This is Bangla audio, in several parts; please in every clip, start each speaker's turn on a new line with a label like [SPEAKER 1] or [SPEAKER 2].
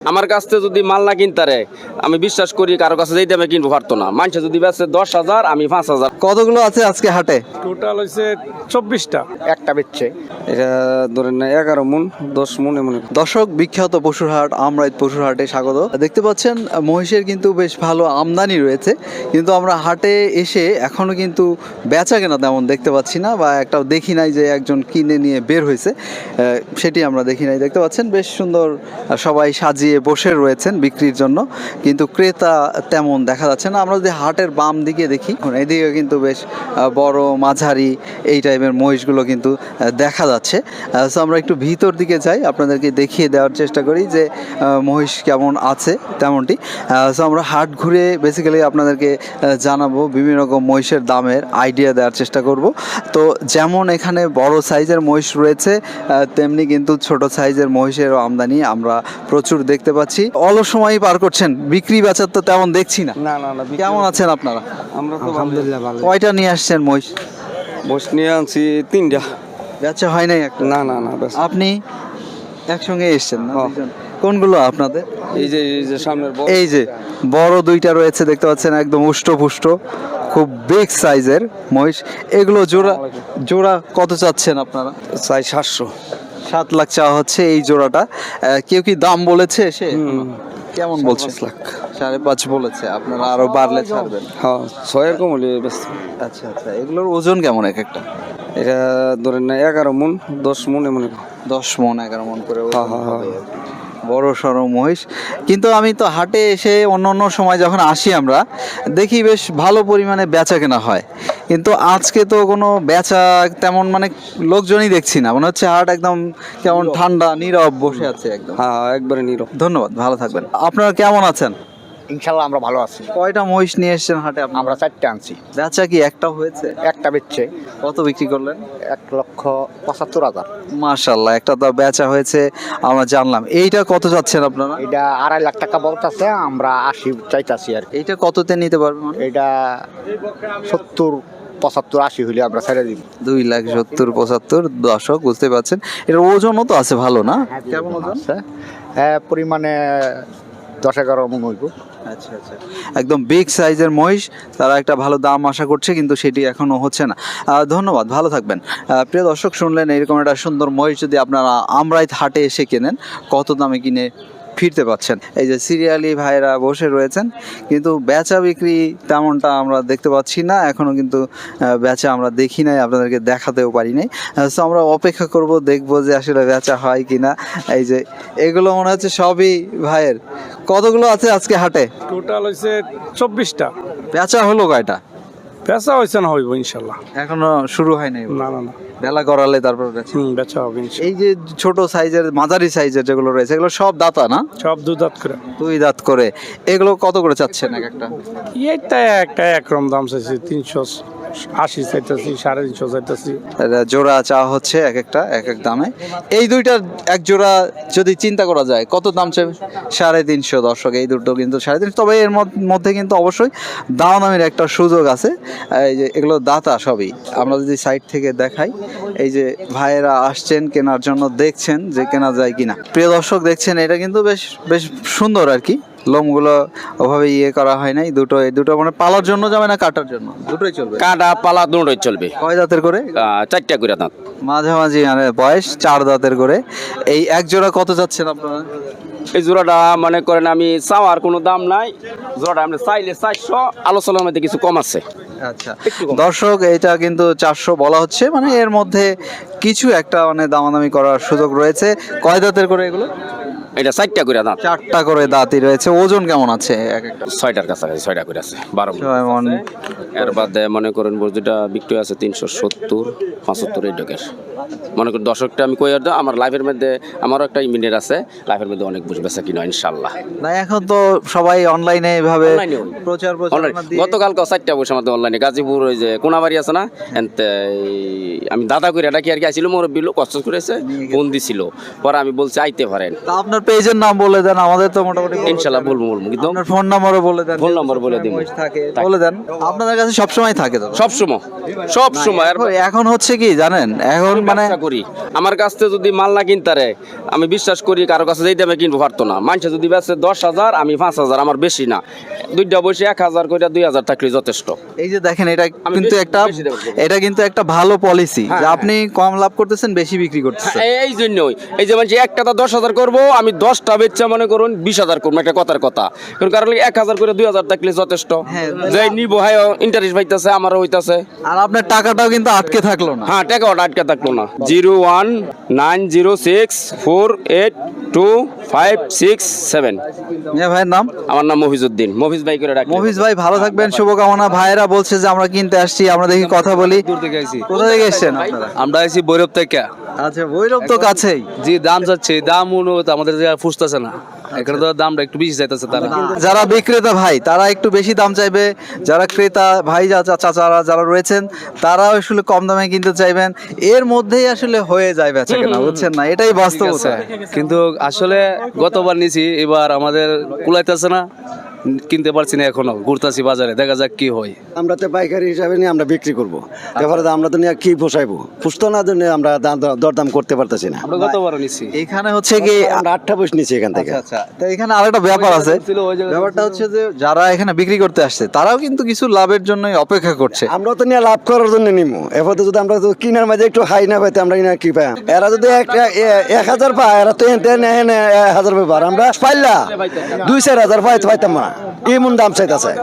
[SPEAKER 1] আমার কাছ থেকে যদি মাল না কিনতারে আমি বিশ্বাস করি কারো কাছে যেতে আমি কিনবো পারতো না। মানুষ যদি বেচে 10,000 আমি 5,000।
[SPEAKER 2] কতগুলো আছে আজকে হাটে?
[SPEAKER 3] টোটাল হয়েছে 24টা।
[SPEAKER 4] একটা বেচছে
[SPEAKER 1] এটা ধরেন 11 মন 10 মন এমন।
[SPEAKER 2] দর্শক, বিখ্যাত পশুর হাট আমরাইত পশুর হাটে স্বাগত। দেখতে পাচ্ছেন মহিষের কিন্তু বেশ ভালো আমদানি রয়েছে, কিন্তু আমরা হাটে এসে এখনো কিন্তু বেচা কেনা তেমন দেখতে পাচ্ছি না, বা একটাও দেখি নাই যে একজন কিনে নিয়ে বের হয়েছে, সেটি আমরা দেখি নাই। দেখতে পাচ্ছেন বেশ সুন্দর সবাই সাজিয়ে বসে রয়েছেন বিক্রির জন্য, কিন্তু ক্রেতা তেমন দেখা যাচ্ছে না। আমরা যদি হাটের বাম দিকে দেখি, এদিকে কিন্তু বেশ বড় মাঝারি এই টাইপের মহিষগুলো কিন্তু দেখা যাচ্ছে। সো আমরা একটু ভিতর দিকে যাই, আপনাদেরকে দেখিয়ে দেওয়ার চেষ্টা করি যে মহিষ কেমন আছে তেমনটি। সো আমরা হাট ঘুরে বেসিক্যালি আপনাদেরকে জানাবো, বিভিন্ন রকম মহিষের দামের আইডিয়া দেওয়ার চেষ্টা করব। তো যেমন এখানে বড় সাইজের মহিষ রয়েছে, তেমনি কিন্তু ছোট সাইজের মহিষেরও আমদানি আমরা প্রচুর দেখতে পাচ্ছি। অলস সময়ই পার করছেন, বিক্রি বেচার তো তেমন দেখছি না।
[SPEAKER 1] না না না,
[SPEAKER 2] কেমন আছেন আপনারা?
[SPEAKER 1] আমরা তো
[SPEAKER 3] আলহামদুলিল্লাহ ভালো।
[SPEAKER 2] কয়টা নিয়ে আসছেন মহিষ?
[SPEAKER 1] বস নিয়ে আনছি 3টা।
[SPEAKER 2] বেচা হয় নাই একটা?
[SPEAKER 1] না না না, ব্যাস।
[SPEAKER 2] আপনি একসঙ্গে এসছেন না?
[SPEAKER 1] হ্যাঁ।
[SPEAKER 2] দুইজন? কোনগুলো আপনাদের?
[SPEAKER 1] এই যে সামনের বড়।
[SPEAKER 2] এই যে বড় দুইটা রয়েছে, দেখতে পাচ্ছেন একদম উষ্টপুষ্ট, খুব বিগ সাইজের মহিষ। এগুলো জোড়া জোড়া কত চাচ্ছেন আপনারা?
[SPEAKER 1] চাই 700।
[SPEAKER 2] 7 লাখ চাওয়া হচ্ছে এই জোড়াটা। কেউ কি দাম বলেছে সে? কেমন বলছে?
[SPEAKER 1] 5 লাখ।
[SPEAKER 2] 5.5 বলেছে, আপনারা আরো বাড়লে ছাড়বেন?
[SPEAKER 1] হ্যাঁ 6 এরকম হলে ব্যাস।
[SPEAKER 2] আচ্ছা আচ্ছা, এগুলোর ওজন কেমন এক একটা?
[SPEAKER 1] এটা ধরেন 11 মন 10 মন এমন।
[SPEAKER 2] 10 মন 11 মন করে ওজন
[SPEAKER 1] হ্যাঁ, হ্যাঁ,
[SPEAKER 2] হবে আর কি। বড় সড়ো মহিষ। কিন্তু আমি তো হাটে এসে অন্য অন্য সময় যখন আসি আমরা দেখি বেশ ভালো পরিমাণে বেচা কেনা হয়, কিন্তু আজকে তো কোনো বেচা তেমন মানে লোকজনই দেখছি না, মনে হচ্ছে হাট একদম কেমন ঠান্ডা নীরব বসে আছে একদম।
[SPEAKER 1] হ্যাঁ একবারে নীরব।
[SPEAKER 2] ধন্যবাদ, ভালো থাকবেন। আপনারা কেমন আছেন?
[SPEAKER 4] ইনশাল্লাহ আমরা ভালো আছি।
[SPEAKER 2] কয়টা মহিষ নিয়ে এসেছেন হাটে আপনারা?
[SPEAKER 4] আমরা 4টে আনছি।
[SPEAKER 2] বেচা কি একটা হয়েছে?
[SPEAKER 4] একটা বেচছে
[SPEAKER 2] কত বিক্রি করলেন?
[SPEAKER 4] 1,75,000।
[SPEAKER 2] মাশাআল্লাহ, একটা তো বেচা হয়েছে আমরা জানলাম। এইটা কত যাচ্ছেন আপনারা?
[SPEAKER 4] এটা 2.5 লাখ টাকা বলতেছে, আমরা 80 চাইতাছি আর কি।
[SPEAKER 2] এইটা কততে নিতে পারবেন?
[SPEAKER 4] এটা 70, 75, 80 হইলে আমরা ছেড়ে দিব।
[SPEAKER 2] 2,70,75। দর্শক বুঝতে পারছেন, এর ওজনও তো আছে ভালো না? কেমন ওজন?
[SPEAKER 4] আছে পরিমাণে 10-11 মণ হইব।
[SPEAKER 2] আচ্ছা আচ্ছা, একদম বিগ সাইজের মহিষ। তারা একটা ভালো দাম আশা করছে, কিন্তু সেটি এখনো হচ্ছে না। ধন্যবাদ, ভালো থাকবেন। প্রিয় দর্শক, শুনলেন এরকম একটা সুন্দর মহিষ যদি আপনারা আমরাইত হাটে এসে কেনেন, কত দামে কিনে ফিরতে পাচ্ছেন। এই যে সিরিয়ালি ভাইরা বসে রয়েছেন, কিন্তু বেচা বিক্রি তেমনটা আমরা দেখতে পাচ্ছি না এখনো, কিন্তু বেচা আমরা দেখি নাই, আপনাদেরকে দেখাতেও পারি নাই। সো আমরা অপেক্ষা করব, দেখবো যে আসলে বেচা হয় কিনা। এই যে এগুলো মনে হচ্ছে সবই ভাইয়ের। কতগুলো আছে আজকে হাটে?
[SPEAKER 3] টোটাল হয়েছে 24টা।
[SPEAKER 2] বেচা হলো কয়টা?
[SPEAKER 3] বেচা হয়েছে না, হইব ইনশাল্লাহ।
[SPEAKER 2] এখনো শুরু হয় নাই?
[SPEAKER 3] না না না,
[SPEAKER 2] বেলা করালে তারপর বেচা।
[SPEAKER 3] বেচা হবে ইনশাল্লাহ।
[SPEAKER 2] এই যে ছোট সাইজের মাঝারি সাইজের যেগুলো রয়েছে, এগুলো সব দাতা না?
[SPEAKER 3] সব 2 দাঁত করে।
[SPEAKER 2] 2 দাঁত করে। এগুলো কত করে চাচ্ছেন এক একটা?
[SPEAKER 3] এইটা একটা একরকম দাম চাইছি, 380 চাইতেছি, 350 চাইতেছি।
[SPEAKER 2] এটা জোড়া চাওয়া হচ্ছে এক একটা এক এক দামে। এই দুইটার এক জোড়া যদি চিন্তা করা যায় কত দাম চাইবে? 350। দর্শক, এই দুটো কিন্তু 350। তবে এর মধ্যে কিন্তু অবশ্যই দামাদামির একটা সুযোগ আছে। এই যে এগুলো দাতা সবই, আমরা যদি সাইড থেকে দেখাই, এই যে ভাইয়েরা আসছেন কেনার জন্য, দেখছেন যে কেনা যায় কিনা। প্রিয় দর্শক, দেখছেন এটা কিন্তু বেশ বেশ সুন্দর আর কি। লোমগুলো ওভাবে করা হয় নাই। এই দুটো মানে পালার জন্য যাবে না কাটার জন্য? দুটোই চলবে।
[SPEAKER 1] কাটা পালা দুটোই চলবে।
[SPEAKER 2] কয় দাঁতের করে?
[SPEAKER 1] 4টা করে দাঁত।
[SPEAKER 2] মাঝামাঝি মানে বয়স 4 দাঁতের করে। এই এক জোড়া কত যাচ্ছেন আপনারা?
[SPEAKER 1] এই জোড়াটা মনে করেন আমি চাওয়ার কোনো দাম নাই, জোড়াটা আপনি চাইলে 400, আলোচনার মধ্যে কিছু কম আছে।
[SPEAKER 2] আচ্ছা দর্শক, এটা কিন্তু 400 বলা হচ্ছে, মানে এর মধ্যে কিছু একটা মানে দামাদামি করার সুযোগ রয়েছে। কয় দাঁতের করে এগুলো?
[SPEAKER 1] এটা 4টা করে দাঁত।
[SPEAKER 2] 4টা করে দাঁতই রয়েছে। ওজন কেমন আছে এক একটা?
[SPEAKER 1] 6টার কাছাকাছি, 6টা করে আছে, 12 মণ।
[SPEAKER 2] 6 মণ।
[SPEAKER 1] এর বাদে মনে করেন যেটা বিক্রি আছে 370, 75 এই ডকের। মনে করেন দর্শকটা আমি কই আর আমার লাইফের মধ্যে আমারও একটা ইমিডিয়েট আছে, লাইফের মধ্যে অনেক বুঝ বেচা কিনা ইনশাল্লাহ।
[SPEAKER 2] না এখন তো সবাই অনলাইনে এভাবে প্রচার
[SPEAKER 1] গতকালকে 4টা বসে আমাদের অনলাইনে গাজীপুর ওই যে কোনাবাড়ি আছে না, এনতে আমি দাদা করে এটা কি আর কি আসছিল, মুরব্বী লোক কষ্ট করেছে, ফোন দিছিল, পরে আমি বলছি আইতে পারেন।
[SPEAKER 2] তা আপনার আপনার পেজের নাম বলে দেন, আমাদের তো মোটামুটি
[SPEAKER 1] ইনশাল্লাহ বলবো কিন্তু
[SPEAKER 2] আপনার ফোন নাম্বারও বলে দেন।
[SPEAKER 1] ফোন নাম্বার বলে দিব।
[SPEAKER 2] মহিষ থাকে বলে দেন, আপনাদের কাছে সবসময় থাকে তো?
[SPEAKER 1] সব সময় আর
[SPEAKER 2] এখন হচ্ছে কি জানেন, এখন মানে
[SPEAKER 1] ব্যবসা করি, আমার কাছ থেকে যদি মাল না কিনতারে আমি বিশ্বাস করি কারো কাছে যেই দামে কিনবো পারতো না। মানুষে যদি বেচে 10,000 আমি 5,000, আমার বেশি না, দুইটা বসে 1,000 করে 2,000 থাকলে যথেষ্ট।
[SPEAKER 2] এই যে দেখেন এটা
[SPEAKER 1] আমি
[SPEAKER 2] কিন্তু
[SPEAKER 1] বেশি-
[SPEAKER 2] একটা
[SPEAKER 1] বেশি দেবো।
[SPEAKER 2] এটা কিন্তু একটা ভালো পলিসি যে
[SPEAKER 1] হ্যাঁ,
[SPEAKER 2] আপনি কম লাভ করতেছেন বেশি বিক্রি করতেছেন।
[SPEAKER 1] এই জন্যই এই যে মানুষ একটা 10,000 করবো, আমি 10টা বেচা মনে করুন 20,000 করবো, একটা কথার কথা। কারণ 1,000 করে 2,000 থাকলে যথেষ্ট।
[SPEAKER 2] হ্যাঁ।
[SPEAKER 1] যে নিবো হ্যাঁ ইন্টারেস্ট পাইতেছে, আমারও হইতাছে।
[SPEAKER 2] আর আপনার টাকাটাও কিন্তু আটকে থাকলো না।
[SPEAKER 1] হ্যাঁ, টাকা ওটা আটকে থাকলো না। 01906482567।
[SPEAKER 2] মিয়া ভাইয়ের নাম?
[SPEAKER 1] আমার নাম মফিজউদ্দিন, মফিজ ভাই করে ডাকি।
[SPEAKER 2] মফিজ ভাই ভালো থাকবেন, শুভকামনা। ভাইয়েরা বলছে যে আমরা কিনতে আসছি, আমরা দেখি কথা বলি। কোথা থেকে এসেছেন আপনারা?
[SPEAKER 5] আমরা আইছি বৈরব থেকে।
[SPEAKER 2] আচ্ছা, ভৈরব তো কাছেই।
[SPEAKER 5] যে দাম যাচ্ছে দাম অনুযায়ী তো আমাদের জায়গায় ফুসতেছে না, এখানে তো দামটা একটু বেশি চাইতেছে তারা।
[SPEAKER 2] যারা বিক্রেতা ভাই তারা একটু বেশি দাম চাইবে, যারা ক্রেতা ভাই চাচারা যারা রয়েছেন তারাও আসলে কম দামে কিনতে চাইবেন। এর মধ্যেই আসলে হয়ে যায় বেচা কেনা, বুঝছেন না? এটাই বাস্তবতা।
[SPEAKER 5] কিন্তু আসলে গতবার নিছি, এবার আমাদের কুলাইতেছে না, কিনতে পারছি না এখনো, ঘুরতাছি বাজারে, দেখা যাক কি হয়।
[SPEAKER 6] আমরা তো পাইকারি হিসাবে নিয়ে আমরা বিক্রি করবো, তারপরে আমরা তো নিয়ে কি পোষাইবো, পুষতো না জন্য আমরা দরদাম করতে পারতেছি না।
[SPEAKER 5] আমরা গতবারও নিছি।
[SPEAKER 2] এখানে হচ্ছে কি
[SPEAKER 6] আমরা 8টা বসে নিচ্ছি এখান থেকে।
[SPEAKER 2] আচ্ছা, তো এখানে আরেকটা ব্যাপার আছে। ব্যাপারটা হচ্ছে যে যারা এখানে বিক্রি করতে আসছে তারাও কিন্তু কিছু লাভের জন্যই অপেক্ষা করছে।
[SPEAKER 6] আমরা তো নিয়ে লাভ করার জন্য নিমু, এরপর যদি আমরা তো কিনার মাঝে একটু হাই না পাইতে আমরা কিনা কি পাই? এরা যদি 1,000 পায়, এরা তো 1,000 পাই, আমরা পাইলা 2-4,000 পাইতাম না, এমন দাম চাইতেছে,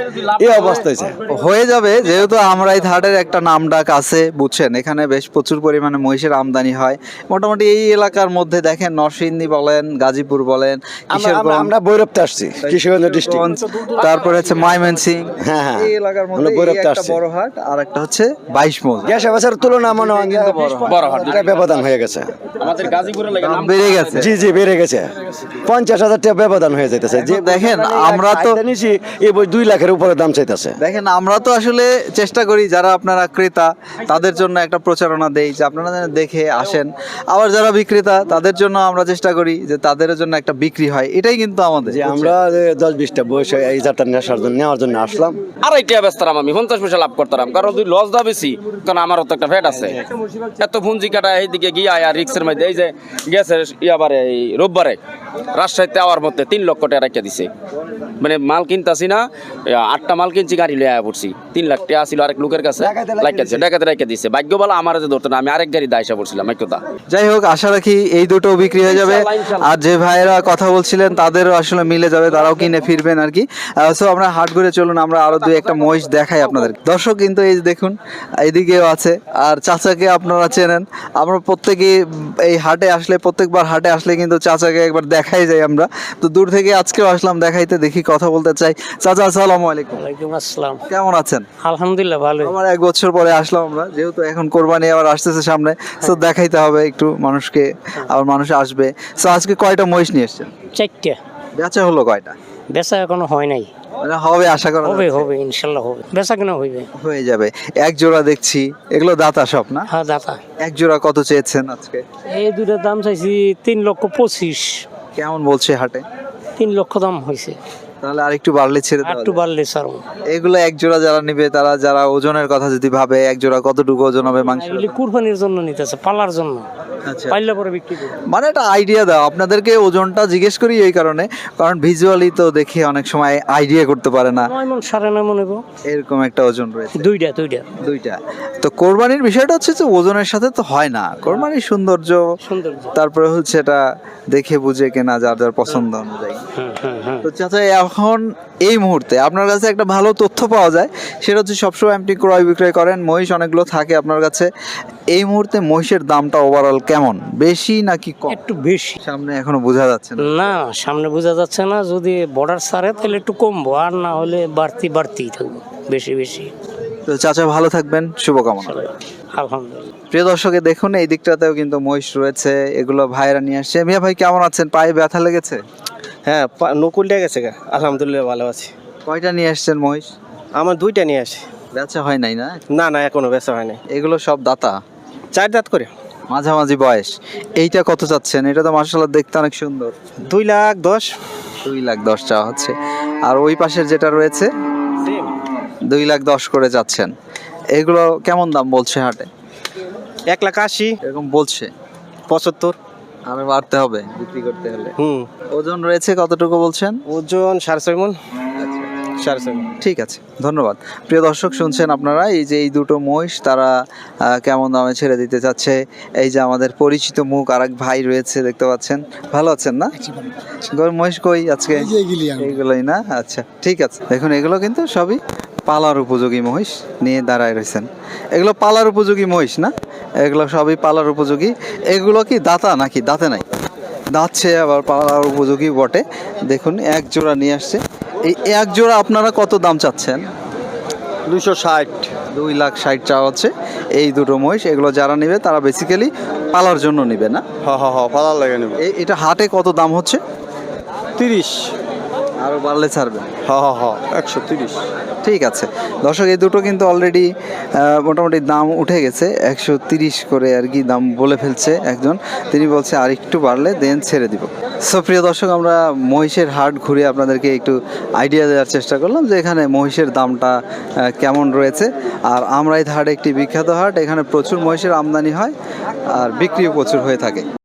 [SPEAKER 6] এই অবস্থা হয়েছে।
[SPEAKER 2] হয়ে যাবে, যেহেতু আমরাই হাটের একটা নাম ডাক আছে, বুঝছেন, এখানে বেশ প্রচুর পরিমাণে মহিষের আমদানি হয়। মোটামুটি এই এলাকার মধ্যে দেখেন নরসিংদী বলেন, গাজীপুর বলেন, কিশোরগঞ্জ,
[SPEAKER 6] আমরা বৈরবতে আসছি, কিশোরগঞ্জ ডিস্ট্রিক্ট।
[SPEAKER 2] তারপরে হচ্ছে ময়মনসিং,
[SPEAKER 6] হ্যাঁ, হ্যাঁ।
[SPEAKER 2] এই এলাকার মধ্যে
[SPEAKER 6] আমরা
[SPEAKER 2] এই
[SPEAKER 6] বৈরবতে
[SPEAKER 2] একটা
[SPEAKER 6] আসছি।
[SPEAKER 2] বড় হাট আর একটা হচ্ছে 22 মৌজা।
[SPEAKER 6] গ্যাস বছরের তুলনা মনে হয়
[SPEAKER 1] বড় হাট।
[SPEAKER 6] এটা ব্যবধান হয়ে গেছে।
[SPEAKER 1] আমাদের গাজীপুরে লাগে
[SPEAKER 2] দাম বেড়ে গেছে।
[SPEAKER 6] জি জি, বেড়ে গেছে, 50,000 টাকা ব্যবধান হয়ে যাইতেছে। যে
[SPEAKER 2] দেখেন, আমরা তো
[SPEAKER 6] নিছি এই বই 2 লাখের উপরে দাম চাইতেছে।
[SPEAKER 2] দেখেন, আমরা তো আসলে চেষ্টা করি যারা আপনারা ক্রেতা তাদের জন্য একটা প্রচারণা দেই যে আপনারা যেন দেখে আসেন, আবার যারা বিক্রেতা তাদের জন্য আমরা চেষ্টা করি যে তাদের জন্য একটা বিক্রি হয়। এটাই কিন্তু আমাদের
[SPEAKER 6] যে আমরা 10-20টা বয়স এই যাত্রা নেওয়ার জন্য আসলাম।
[SPEAKER 1] আর এইটা ব্যস্তারাম আমি 50 পয়সা লাভ করতাম, কারণ তুই লস দা বেশি, কারণ আমারও তো একটা ফ্যাট আছে। এত পুঁজি কাটা এইদিকে গিয়া আর রিক্সের মধ্যে এই যে গেছে ইয়াবারে এই রোববারে রাজশাহীতে আওয়ার মধ্যে 3 লক্ষ টাকা রেখে দিছে। মানে মাল কিনতাছি না, 8টা মাল কিনছি, গাড়ি লয়ে আয়া পড়ছি, 3 লাখ টাকা ছিল আরেক লোকের কাছে, ডাকাতে রেখে দিছে। ভাগ্য বলা আমার যে ধরতো না, আমি আরেক গাড়ি দায়সা পড়ছিলাম একদা।
[SPEAKER 2] যাই হোক, আশা রাখি এই দুটো বিক্রি হয়ে যাবে। আর যে ভাইয়েরা কথা বলছিলেন তাদেরও আসলে মিলে যাবে, তারাও কিনে ফিরবেন আর কি। সো আমরা হাট ঘুরে চলুন, আমরা আরো 2-1টা মহিষ দেখাই আপনাদের। দর্শক কিন্তু এই যে দেখুন, এইদিকেও আছে, আর চাচাকে আপনারা চেনেন। আমরা প্রত্যেকে এই হাটে আসলে, প্রত্যেকবার হাটে আসলে কিন্তু চাচাকে একবার দেখাই যায় আমরা। তো দূর থেকে আজকেও আসলাম দেখাইতে, দেখি কথা বলতে চাই। চাচা, আসসালামু আলাইকুম।
[SPEAKER 7] ওয়ালাইকুম আসসালাম।
[SPEAKER 2] কেমন আছেন?
[SPEAKER 7] আলহামদুলিল্লাহ ভালো।
[SPEAKER 2] আমার 1 বছর পরে আসলাম আমরা, যেহেতু এখন কোরবানি আবার আসতেছে সামনে, তো দেখাইতে হবে একটু মানুষকে, আবার মানুষ আসবে। তো আজকে কয়টা মহিষ নিয়ে এসেছেন?
[SPEAKER 7] 4টে।
[SPEAKER 2] বেচা হলো কয়টা?
[SPEAKER 7] বেচা এখনো হয় নাই,
[SPEAKER 2] মানে হবে, আশা করা
[SPEAKER 7] হবে
[SPEAKER 2] যাচ্ছে?
[SPEAKER 7] হবে ইনশাল্লাহ হবে, বেচা কেন হইবে।
[SPEAKER 2] হয়ে যাবে। 1 জোড়া দেখছি, এগুলো দাতা সব না?
[SPEAKER 7] হ্যাঁ দাতা।
[SPEAKER 2] 1 জোড়া কত চেয়েছেন আজকে?
[SPEAKER 7] এই দুটার দাম চাইছি 3,25,000।
[SPEAKER 2] কেমন বলছে হাটে?
[SPEAKER 7] 3 লক্ষ দাম হয়েছে,
[SPEAKER 2] তাহলে আরেকটু বাড়লে ছেড়ে
[SPEAKER 7] আর
[SPEAKER 2] দেওয়া
[SPEAKER 7] একটু
[SPEAKER 2] যায়।
[SPEAKER 7] বাড়লে স্যার।
[SPEAKER 2] এগুলো 1 জোড়া যারা নিবে, তারা যারা ওজনের কথা যদি ভাবে, 1 জোড়া কতটুকু ওজন হবে মাংস?
[SPEAKER 7] এগুলি কুরবানির জন্য নিতেছে, পালার জন্য,
[SPEAKER 2] আচ্ছা,
[SPEAKER 7] পাইলে পরে বিক্রি করবে।
[SPEAKER 2] মানে একটা আইডিয়া দাও। আপনাদেরকে ওজনটা জিজ্ঞেস করি এই কারণে, কারণ ভিজুয়ালি তো দেখে অনেক সময় আইডিয়া করতে পারে না।
[SPEAKER 7] 9 মণ 9.5 মণ হইব।
[SPEAKER 2] এরকম একটা ওজন রয়েছে।
[SPEAKER 7] দুইটা।
[SPEAKER 2] দুইটা। তো কোরবানির বিষয়টা হচ্ছে যে ওজনের সাথে তো হয় না, কোরবানির সৌন্দর্য,
[SPEAKER 7] সুন্দর।
[SPEAKER 2] তারপরে হচ্ছে এটা দেখে বুঝে কেনা, যার যার পছন্দ অনুযায়ী। তো চাচা, এখন এই মুহূর্তে আপনার কাছে একটা ভালো তথ্য পাওয়া যায়, সেটা হচ্ছে সবসময় আপনি ক্রয় বিক্রয় করেন, মহিষ অনেকগুলো থাকে আপনার কাছে। এই মুহূর্তে মহিষের দামটা ওভারঅল কেমন, বেশি নাকি কম?
[SPEAKER 7] একটু বেশি।
[SPEAKER 2] সামনে এখনো বোঝা যাচ্ছে না।
[SPEAKER 7] না, সামনে বোঝা যাচ্ছে না। যদি বর্ডার ছাড়ে তাহলে একটু কমবো, আর না হলে বাড়তেই থাকবো, বেশি।
[SPEAKER 2] তো চাচা ভালো থাকবেন, শুভকামনা।
[SPEAKER 7] আলহামদুলিল্লাহ।
[SPEAKER 2] প্রিয় দর্শকে দেখুন, এই দিকটাতেও কিন্তু মহিষ রয়েছে, এগুলো ভাইরা নিয়ে আসছে। মিয়া ভাই কেমন আছেন? পায়ে ব্যথা লেগেছে?
[SPEAKER 8] হ্যাঁ, নকুলটা গেছে গা, আলহামদুলিল্লাহ ভালো আছি।
[SPEAKER 2] কয়টা নিয়ে আসছেন মহিষ?
[SPEAKER 8] আমার 2টা নিয়ে আসি।
[SPEAKER 2] বেচা হয় নাই না?
[SPEAKER 8] না এখনো বেচা হয় নাই।
[SPEAKER 2] এগুলো সব দাতা?
[SPEAKER 8] 4 দাঁত করে।
[SPEAKER 2] মাঝামাঝি বয়স। এইটা কত চাচ্ছেন? এটা তো মার্শাল্লাহ দেখতে অনেক সুন্দর।
[SPEAKER 8] 2,10,000।
[SPEAKER 2] 2,10,000 চাওয়া হচ্ছে। আর ওই পাশের যেটা রয়েছে 2,10,000 করে যাচ্ছেন। এগুলো কেমন দাম বলছে হাটে?
[SPEAKER 8] 1,80,000।
[SPEAKER 2] এরকম বলছে।
[SPEAKER 8] 75।
[SPEAKER 2] আরো বাড়তে হবে বিক্রি করতে হলে।
[SPEAKER 8] হুম।
[SPEAKER 2] ওজন রয়েছে কতটুকু বলছেন?
[SPEAKER 8] ওজন 6.5 মণ। 6.5 মণ।
[SPEAKER 2] ঠিক আছে, ধন্যবাদ। প্রিয় দর্শক, শুনছেন আপনারা এই যে এই দুটো মহিষ তারা কেমন দামে ছেড়ে দিতে চাচ্ছে। এই যে আমাদের পরিচিত মুখ আরেক ভাই রয়েছে, দেখতে পাচ্ছেন। ভালো আছেন না? মহিষ কই আজকে? এইগুলোই না? আচ্ছা ঠিক আছে। দেখুন এগুলো কিন্তু সবই পালার উপযোগী মহিষ নিয়ে দাঁড়ায় রয়েছেন। এগুলো পালার উপযোগী মহিষ না? এগুলো সবই পালার উপযোগী। এগুলো কি দাতা নাকি দাঁতে নাই? দাঁতছে আবার পালার উপযোগী বটে। দেখুন এক জোড়া নিয়ে আসছে। এই এক জোড়া আপনারা কত দাম চাচ্ছেন?
[SPEAKER 4] 260।
[SPEAKER 2] 2,60,000 চাওয়া হচ্ছে এই দুটো মহিষ। এগুলো যারা নেবে তারা বেসিক্যালি পালার জন্য নেবে না?
[SPEAKER 4] পালার লাগে নেব।
[SPEAKER 2] এটা হাটে কত দাম হচ্ছে?
[SPEAKER 4] 30।
[SPEAKER 2] আরও বাড়লে ছাড়বেন?
[SPEAKER 4] 130।
[SPEAKER 2] ঠিক আছে দর্শক, এই দুটো কিন্তু অলরেডি মোটামুটি দাম উঠে গেছে। 130 করে আর কি দাম বলে ফেলছে একজন। তিনি বলছে আর একটু বাড়লে দেন ছেড়ে দিব। সো প্রিয় দর্শক, আমরা মহিষের হাট ঘুরে আপনাদেরকে একটু আইডিয়া দেওয়ার চেষ্টা করলাম যে এখানে মহিষের দামটা কেমন রয়েছে। আর আমরাই হাট একটি বিখ্যাত হাট, এখানে প্রচুর মহিষের আমদানি হয় আর বিক্রিও প্রচুর হয়ে থাকে।